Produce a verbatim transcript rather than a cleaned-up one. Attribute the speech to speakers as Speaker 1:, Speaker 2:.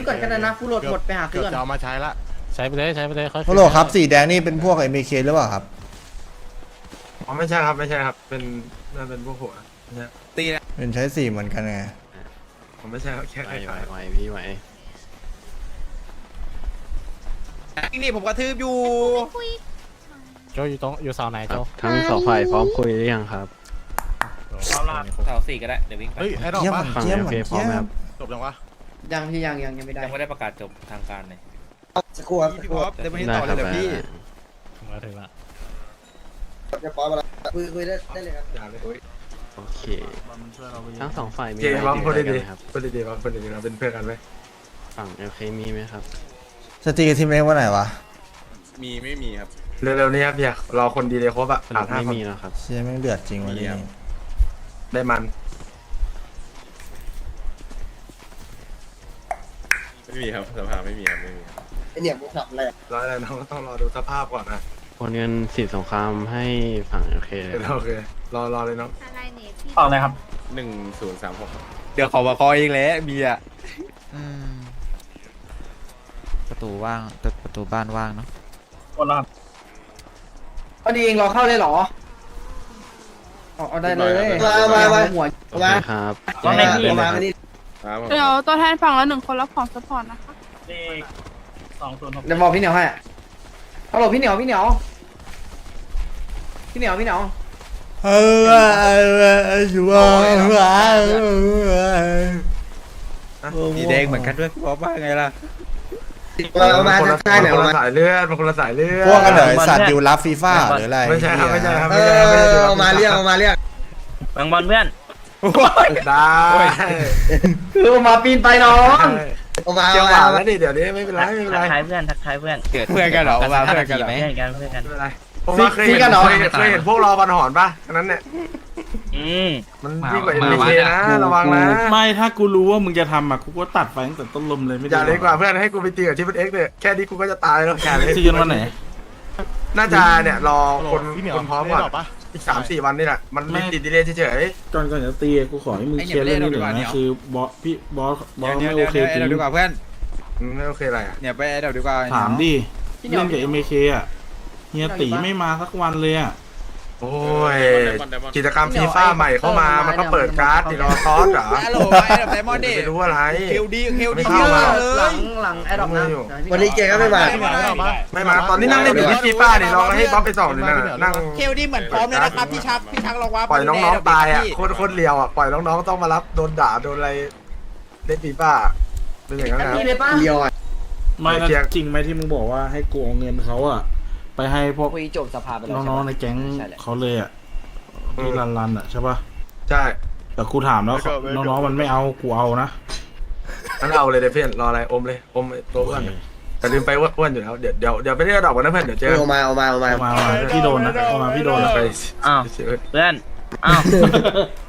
Speaker 1: ก่อนกันนะฟูโหลดหมดไปหาซื้อก่อน
Speaker 2: จะเอามาใช้ละ
Speaker 3: ใช้ไปเลยใช้ไปเลยเขา
Speaker 4: ฮัลโหลครับสีแดงนี่เป็นพวกเอ็มเคหรือเปล่าครับ
Speaker 5: อ๋อไม่ใช่ครับไม่ใช่ครับเป็นน่าเป็นพวกหัวตีนะ
Speaker 4: เป็นใช้สีเหมือนกันไง
Speaker 5: ผมไม่ใช่ครับแค่
Speaker 3: ไหว
Speaker 5: ไอ้
Speaker 3: ไหวไหวพี่ไหว
Speaker 6: นี่ผมกระทืบอยู่
Speaker 3: โจอยู่ตรงอยู่เสาไหนโจ
Speaker 7: ทั้งสองฝ่ายพร้อมคุยหรือยังครับ
Speaker 6: เสาสี่ก็ได้เดี๋ยววิ่งไป
Speaker 2: เฮ้ยไอ้ดอก
Speaker 4: เยี่ยม
Speaker 2: ปะ
Speaker 4: เยี่ยมเหมือน
Speaker 7: ฝั่ง
Speaker 4: เยี่ย
Speaker 7: โอเคพร้อมไหมครั
Speaker 4: ม
Speaker 7: บ
Speaker 2: จบยังวะ
Speaker 1: ยังที่ยังยังยังไม่ได้
Speaker 6: ยังไม่ได้ประกาศจบทางการเลย
Speaker 1: สกครูครับ
Speaker 6: พี่พอปเดี๋ยววันนี้
Speaker 7: ได้
Speaker 6: ต่อ
Speaker 7: ค
Speaker 6: เล
Speaker 7: รั
Speaker 6: ย
Speaker 7: บ
Speaker 6: เดี๋ยวพี่
Speaker 3: ถึงแล้วถึงแล้ว
Speaker 1: จะปอยมาแล้วคุยคุยได้ได้เลยครับ
Speaker 5: อย่าเลย
Speaker 7: โอเค ทั้งสองฝ่ายมี
Speaker 5: เจ๊
Speaker 7: อะไร
Speaker 5: บ้าง
Speaker 7: ติด
Speaker 5: พูด
Speaker 7: ใจกัน
Speaker 5: ดี
Speaker 7: ไหมครับ
Speaker 5: ๆพูดดีๆบ้างพูดดีๆเราเป็นเพื่อนกันไหม
Speaker 7: ฝั่งโอเคมีไหมครับ
Speaker 4: สตรีกับทีมเล็กวันไหนวะ
Speaker 2: มีไม่มีครับ
Speaker 5: เร็วๆนี้ครับพี่รอคนดีเลยครบอะ
Speaker 7: สรุ
Speaker 5: ขาด
Speaker 7: ป
Speaker 5: ห้า
Speaker 7: ไม่
Speaker 5: คน
Speaker 7: มีแล้วครับ
Speaker 4: เชี่ยแม่งเดือดจริงวันนี้
Speaker 5: ได้มัน
Speaker 2: ไม่มีครับสภาไม่มีครับไม่มี
Speaker 1: ไอเนี่ยมึงทำอะไร
Speaker 5: รออะไรน้องก็ต้องรอดูสภาพก่อนนะ
Speaker 7: โอนเงินสิทธิสงครามให้ฝั่งโอเคเลยครับ
Speaker 5: โอเครอรอเลยน้อง
Speaker 8: อะไรเนี่ยพี่
Speaker 6: ต่อเลยครับ
Speaker 2: หนึ่งศูนย์สามหก
Speaker 6: เดี๋ยวขอมาคอยเองแหละเบียร์
Speaker 9: ประตูว่างแต่ประตูบ้านว่างเนาะ
Speaker 1: พอดีเองรอเข้าเลยเหรอเอาได้เลยมามามาหัว
Speaker 7: โอเคครับ
Speaker 1: มา
Speaker 7: แจ้งเลย
Speaker 1: มา
Speaker 7: นะครับ
Speaker 1: ดิ
Speaker 2: ครับผม
Speaker 8: เดี๋ยวตัวแทนฝั่งละหนึ่งคนรับของซัพพอร์ตนะคะ
Speaker 1: เดี๋ยวบอกพี่เหนียวให้ฮัลโหลพี่เหนียวพี่เหนียวพี่เหนียวพี่เหนียว
Speaker 4: เออชัวร์
Speaker 6: สีแดงเหมือนกันด้วยพี่พอปว่าไงล่ะ
Speaker 1: เอามา
Speaker 5: คนละ
Speaker 1: ใช่ไหน
Speaker 5: คน
Speaker 1: เอา
Speaker 5: ละ
Speaker 1: มา
Speaker 5: สายเลือดมันคนละสายเลือด
Speaker 4: พวกกันเหรอสัตว์ดิวรับฟีฟ่าหรืออะไร
Speaker 5: ไม่ใช่ครับไม่ใช่ครับ
Speaker 1: เอ
Speaker 5: ไม่ใช่ครับไม่
Speaker 1: อ
Speaker 5: ใช่ครับ
Speaker 1: เอามาเรียกเอามาเรียก
Speaker 6: บางบอลเพื่อน
Speaker 5: ได้
Speaker 1: คือเอามาปีนไปน้องเอามา
Speaker 5: เจียวห
Speaker 1: เอา
Speaker 5: วาน
Speaker 1: มา
Speaker 5: แล้วดิเดี๋ยวนี้ไม่เป็นไรไม่เป็นไร
Speaker 6: ทักทายเพื่อนทักทายเพื่อนเกิดเพื่อนกันเหรอมาเพื่อนกันเหรอเพื่อนกันเพื่อนกัน
Speaker 5: ไม่เป็นไรผมว่าเคยเห็นเคยเห็นเคยเห็นพวกรอบันหอนป่ะอันนั้นเนี่ย
Speaker 6: อืม
Speaker 5: มันยิ่งกว่าเอ็มเคนะระวังนะ
Speaker 10: ไม่ถ้ากูรู้ว่ามึงจะทำอ่ะกูก็ตัดไปตั้งแต่ต้นลมเลยไม่
Speaker 5: อ
Speaker 10: ได้
Speaker 5: ย่าเลยกว่าเพื่อนให้กูไปตีกับที่เป็นเอ็กซ์เนี่ยแค่นี้กูก็จะตายแล้วแค่นี้
Speaker 10: ที่กันวันไหน
Speaker 5: น่าจะเนี่ยรอคน
Speaker 2: พี่เหนียว
Speaker 5: คนพร้อมก่อน
Speaker 2: ได้ดกปะ
Speaker 5: อีกสามสี่วันนี่แหละมันมีติดดีเลยเฉย
Speaker 10: ก่อนก่อนจะตีกูขอให้มึงเคลียร์เรื่องนี้หน่อยนะคือบอสพี่บอสบอสไม่โอเคจริง
Speaker 6: เดี๋ยวดีกว่าเพื่อน
Speaker 5: ๆอืมไม่โอเคอะไรอ่ะ
Speaker 6: เนี่ยไปเดี๋ยวดีกว่า
Speaker 10: ถามดิเล่นกับเอ็มเคอ่ะเฮียตีไม่มาสักวันเลยอ่ะ
Speaker 5: โอ้ยกิจกรรมฟีฟ่าใหม่เข้ามามันก็เปิดการ์ดติดรอซอสเหรอ
Speaker 6: ฮัลโหลไอ้ดับไดมอนด์ดิ
Speaker 5: ไม่รู้อะไร
Speaker 6: เคลดีเคลดี
Speaker 5: ไม่เข้ามา
Speaker 6: เล
Speaker 1: หลั
Speaker 6: ย
Speaker 1: งหลังแอดดอปนะวันนี้เกก็ไม่มา
Speaker 5: ไม่มาตอนนี้นั่งเล่นอยู่ที่ฟีฟ่านี่ลองให้บ๊อบไปส่องดินั่นน่ะนั่ง
Speaker 6: เคลดีเหมือนพร้อมเลยนะครับพี่ชักพี่ชักลองว่า
Speaker 5: ปล่อยน้องๆตายอ่ะโคตรโคตรเลียวอ่ะปล่อยน้องๆต้องมารับโดนด่าโดนอะไรเล่นฟีฟ่าเป็นอย่างนั้นนะ
Speaker 1: พี่เลยป้าเดียวอ่ะ
Speaker 10: ไม่นะจริงไหมที่มึงบอกว่าให้กูเอาเงินเขาอ่ะไปให้พวก
Speaker 1: คุยจบสภาไปแล้ว
Speaker 10: น้องๆในแก๊งเขาเลยอ่ะที่รันรันๆอ่ะใช่ปะ
Speaker 5: ใช่
Speaker 10: แต่กูถามแล้วน้องๆมันไม่เอากูเอานะ
Speaker 5: งั้นเอาเลยเดี๋ยวเพื่อนรออะไรอมเลยอมตัวอ้วนแต่ลืมไปว่าอ้วนอยู่แล้วเดี๋ยวเดี๋ยวเดี๋ยวไปเรียกดอกกันนะเพื่อนเดี๋ยวเจอ
Speaker 1: เอามาเอามาเอามา
Speaker 10: เอามาเอามาพี่โดนนะเอามาพี่โดนนะ
Speaker 5: ไป
Speaker 6: อ้าวเพื่อนอ้าว